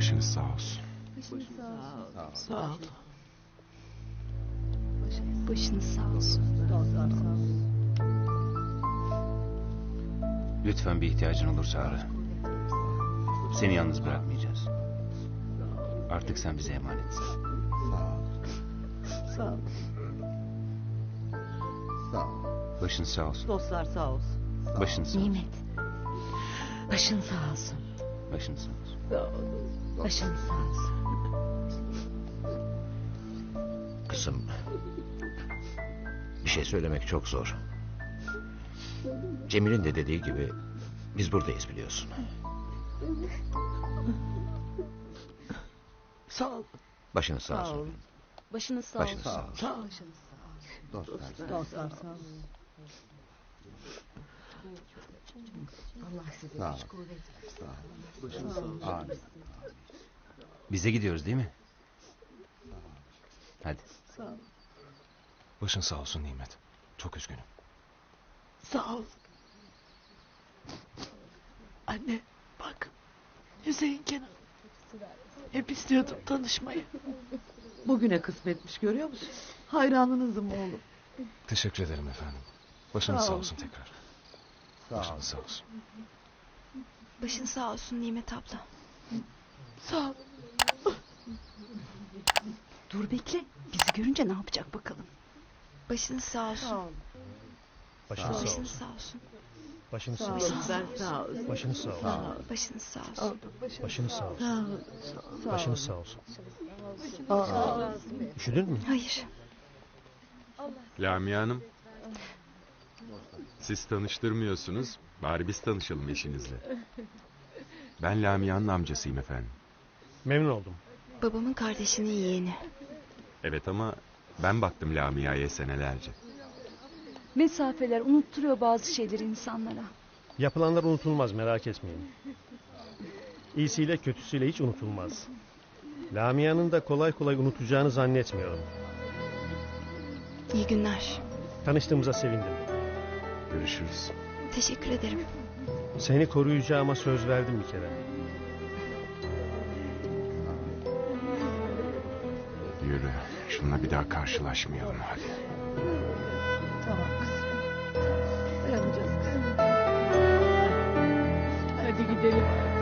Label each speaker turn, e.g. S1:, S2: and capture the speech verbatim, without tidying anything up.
S1: Başınız sağ olsun.
S2: Sağ ol.
S3: Başınız sağ olsun.
S4: Lütfen bir ihtiyacın olursa ara. Seni yalnız bırakmayacağız. Artık sen bize emanetsin.
S2: Sağ ol.
S5: Sağ ol.
S4: Başın sağ olsun.
S2: Dostlar sağ olsun.
S4: Başın sağ olsun.
S3: Nimet. Başın sağ olsun.
S4: Başın sağ olsun.
S2: Sağ ol.
S3: Başın sağ olsun.
S5: Kızım, bir şey söylemek çok zor. Cemil'in de dediği gibi biz buradayız biliyorsun.
S2: Sağ ol.
S5: Başınız sağ
S2: Sağ
S5: olsun.
S2: olun.
S3: Başınız sağ
S5: Başınız
S3: olsun.
S5: sağ olsun.
S2: Sağ ol.
S5: Dostlar.
S2: Dostlar sağ olun.
S3: Allah size
S5: Sağ ol.
S3: güç kuvvet versin.
S5: Başınız sağ olsun. Amin.
S4: Bize gidiyoruz değil mi? Hadi.
S2: Sağ ol.
S1: Başın sağ olsun Nimet. Çok üzgünüm.
S2: Sağ ol. Anne bak. Hüseyin Kenan. Hep istiyordum tanışmayı. Bugüne kısmetmiş görüyor musun? Hayranınızım oğlum.
S1: Teşekkür ederim efendim. Başınız
S2: Sağ
S1: sağ
S2: ol.
S1: olsun tekrar.
S5: Sağ ol.
S1: Başınız sağ olsun.
S3: Başın sağ olsun Nimet abla.
S2: Sağ ol.
S3: Dur bekle. Bizi görünce ne yapacak bakalım. Başınız sağ olsun.
S2: Sağ ol.
S6: Başınız sağ
S3: Başınız
S6: olsun.
S3: sağ olsun.
S6: Başınız
S2: Sağ
S6: sağ
S2: ol.
S6: olsun.
S2: Ben sağ ol.
S6: Başınız sağ olsun.
S5: Sağ ol.
S3: Başınız sağ
S2: Sağ ol.
S3: olsun.
S6: Başınız sağ olsun.
S2: Sağ ol. Sağ ol.
S6: Başınız sağ olsun.
S2: Aa,
S6: Üşüdün mü?
S3: Hayır.
S1: Lamia Hanım. Siz tanıştırmıyorsunuz. Bari biz tanışalım eşinizle. Ben Lamia'nın amcasıyım efendim.
S6: Memnun oldum.
S3: Babamın kardeşinin yeğeni.
S1: Evet ama ben baktım Lamia'ya senelerce.
S3: Mesafeler unutturuyor bazı şeyleri insanlara.
S6: Yapılanlar unutulmaz, merak etmeyin. İyisiyle kötüsüyle hiç unutulmaz. Lamia'nın da kolay kolay unutacağını zannetmiyorum.
S3: İyi günler.
S6: Tanıştığımıza sevindim.
S1: Görüşürüz.
S3: Teşekkür ederim.
S6: Seni koruyacağıma söz verdim bir kere.
S1: Yürü. Şununla bir daha karşılaşmayalım hadi.
S2: tamam kızım. Dayanacağız kızım. Hadi gidelim.